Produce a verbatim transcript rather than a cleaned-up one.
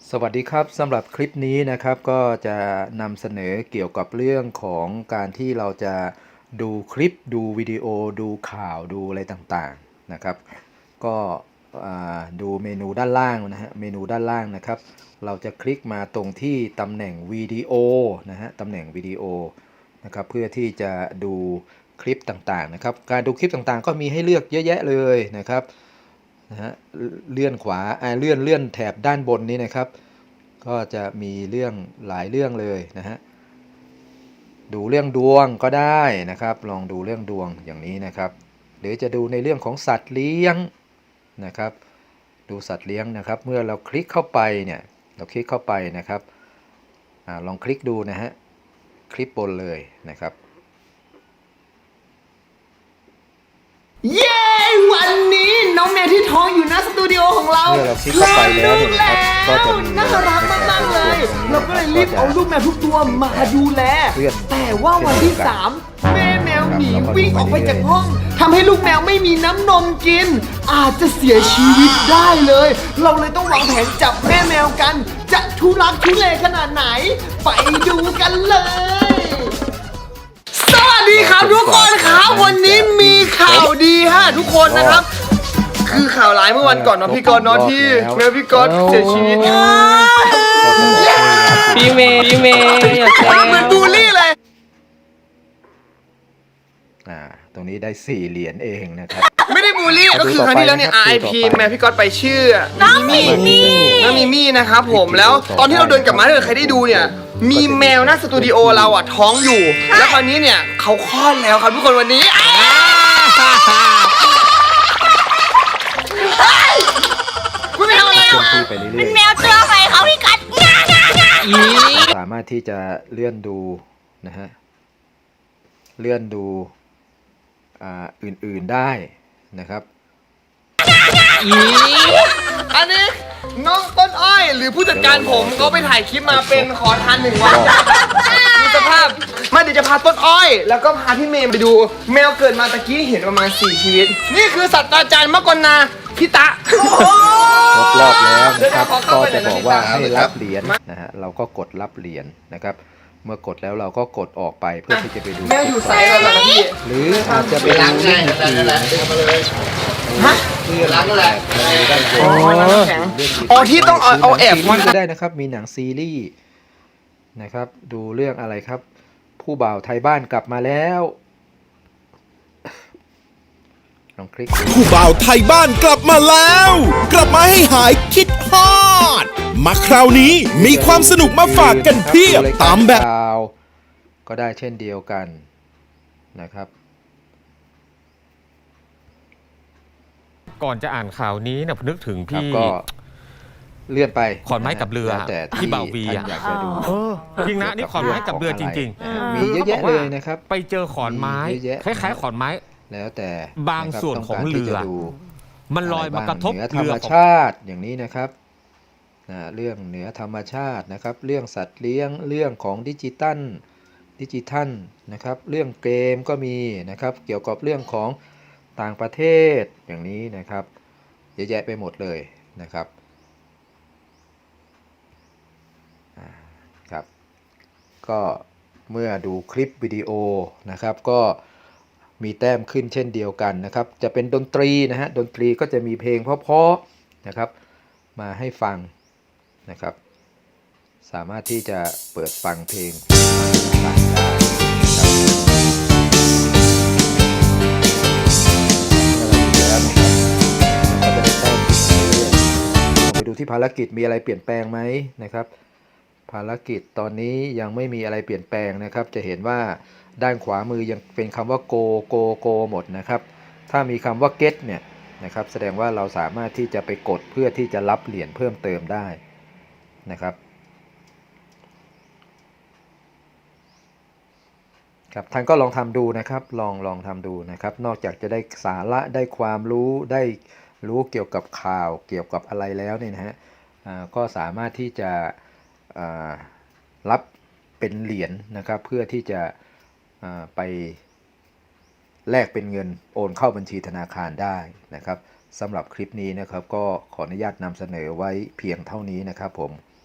สวัสดีครับสำหรับคลิปนี้นะครับก็จะนำเสนอเกี่ยวกับเรื่องของการที่เราจะดูคลิปดูวิดีโอดูข่าวดูอะไรต่างๆนะครับก็ดูเมนูด้านล่างนะฮะเมนูด้านล่างนะครับเราจะคลิกมาตรงที่ตำแหน่งวิดีโอนะฮะตำแหน่งวิดีโอนะครับเพื่อที่จะดูคลิปต่างๆนะครับการดูคลิปต่างๆก็มีให้เลือกเยอะแยะเลยนะครับนะฮะเลื่อนขวาเลื่อนเลื่อนแถบด้านบนนี้นะครับก็จะมีเรื่องหลายเรื่องเลยนะฮะดูเรื่องดวงก็ได้นะครับลองดูเรื่องดวงอย่างนี้นะครับหรือจะดูในเรื่องของสัตว์เลี้ยงนะครับดูสัตว์เลี้ยงนะครับเมื่อเราคลิกเข้าไปเนี่ยเราคลิกเข้าไปนะครับอลองคลิกดูนะฮะคลิปบนเลยนะครับเย้ วันนี้น้องแมวที่ท้องอยู่หน้าสตูดิโอของเราเมื่อเราคลิกเข้าไปแล้วเนี่ยนะครับก็จะมีน่ารักมากๆเลย เราก็เลยรีบเอาลูกแมวทุกตัวมาดูแล แต่ว่าวันที่สามแม่แมวหนีวิ่งออกไปจากห้องทำให้ลูกแมวไม่มีน้ำนมกิน อาจจะเสียชีวิตได้เลย เราเลยต้องวางแผนจับแม่แมวกัน จะทุรักทุเลขนาดไหน ไปดูกันเลยสวัสดีครับทุกคนครับวันนี้มีข่าวดีฮะทุกคนนะครับ คือข่าวร้ายเมื่อวันก่อนเนาะพี่กรณ์เนาะที่แมวพี่กรณ์เสียชีวิตพี่เมย์พี่เมย์อย่าแซวเหมือนบูลลี่เลยอ่าตรงนี้ได้สี่เหรียญเองนะครับไม่ได้บูลลี่ก็คือครั้งที่แล้วเนี่ย อาร์ ไอ พี แมวพี่กรณ์ไปชื่อน้องมิมี่น้องมิมี่นะครับผมแล้วตอนที่เราเดินกลับมาถ้าเกิดใครได้ดูเนี่ยมีแมวหน้าสตูดิโอเราอ่ะท้องอยู่ แล้วคราวนี้เนี่ยเขาคลอดแล้วครับทุกคนวันนี้คุณไม่ทำอะไรเคลื่อนอ่ะที่ไปเรื่อยเป็นแมวตัวใหม่เขาพี่กัดงางางาอีๆสามารถที่จะเลื่อนดูนะฮะเลื่อนดูอ่าอื่นๆได้นะครับอีอันนี้น้องต้นอ้อยหรือผู้จัดการผมเขาไปถ่ายคลิปมาเป็นขอทานหนึ่งวันดูสภาพมาเดี๋ยวจะพาต้นอ้อย แล้วก็พาพี่เมย์ไปดู แมวเกิดมาตะกี้เห็นประมาณสี่ชีวิต นี่คือศาสตราจารย์มกรณาพิตะครบรอบแล้วนะครับเดี๋ยวขอเข้าก็ไปจะหน่อยนะบอกว่าพี่ตาให้รับเหรียญนะฮะเราก็กดรับเหรียญนะครับ เมื่อกดแล้วเราก็กดออกไปเพื่อที่จะไปดูแมวอยู่ไซส์แล้วนะพี่หรืออาจจะไปดูเรื่องอื่นๆนะครับฮะเรื่องแบบในด้านบนอ๋อน้ำแข็งอ๋อที่ต้องเอาเอาแอบมัมานก็ได้นะครับมีหนังซีรีส์นะครับดูเรื่องอะไรครับ ผู้บ่าวไทยบ้านกลับมาแล้วลองคลิกดูผู้บ่าวไทยบ้านกลับมาแล้ว กลับมาให้หายคิดฮอด มาคราวนี้มีความสนุกมาฝากกันเพียบตามแบบข่าวก็ได้เช่นเดียวกันนะครับก่อนจะอ่านข่าวนี้นะนึกถึงครับพี่ก็เลื่อนไปขอนไม้กับเรือแล้วแต่ที่บ่าววีท่านอะอยากจะดูเออจริงนะนี่ขอนไม้กับเรือจริงๆมีเยอะแยะเลยนะครับๆ ไปเจอขอนไม้มีเยอะแยะคล้ายๆขอนไม้แล้วแต่บางส่วนของะคบเรือต้กาที่จะดูมันลอยมากระทบเหนือธรเรือรมของชาติอย่างนี้นะครับนะเรื่องเหนือธรรมชาตินะครับ เรื่องสัตว์เลี้ยงเรื่องของดิจิตัลดิจิทัลนะครับ เรื่องเกมก็มีนะครับ เกี่ยวกับเรื่องของต่างประเทศอย่างนี้นะครับเยอะแยะไปหมดเลยนะครับครับก็เมื่อดูคลิปวิดีโอนะครับก็มีแต้มขึ้นเช่นเดียวกันนะครับจะเป็นดนตรีนะฮะดนตรีก็จะมีเพลงเพราะๆนะครับมาให้ฟังนะครับสามารถที่จะเปิดฟังเพลงต่างๆได้นะครับแล้วนะครับก็จะได้แต้มขึ้นเรื่อยๆไปดูที่ภารกิจมีอะไรเปลี่ยนแปลงไหมนะครับภารกิจตอนนี้ยังไม่มีอะไรเปลี่ยนแปลงนะครับจะเห็นว่าด้านขวามือยังเป็นคำว่า go go go หมดนะครับถ้ามีคำว่า get เนี่ยนะครับแสดงว่าเราสามารถที่จะไปกดเพื่อที่จะรับเหรียญเพิ่มเติมได้นะครับครับท่านก็ลองทำดูนะครับลองลองทำดูนะครับนอกจากจะได้สาระได้ความรู้ได้รู้เกี่ยวกับข่าวเกี่ยวกับอะไรแล้วเนี่ยนะฮะก็สามารถที่จะรับเป็นเหรียญนะครับเพื่อที่จะไปแลกเป็นเงินโอนเข้าบัญชีธนาคารได้นะครับสำหรับคลิปนี้นะครับก็ขออนุญาตนำเสนอไว้เพียงเท่านี้นะครับผม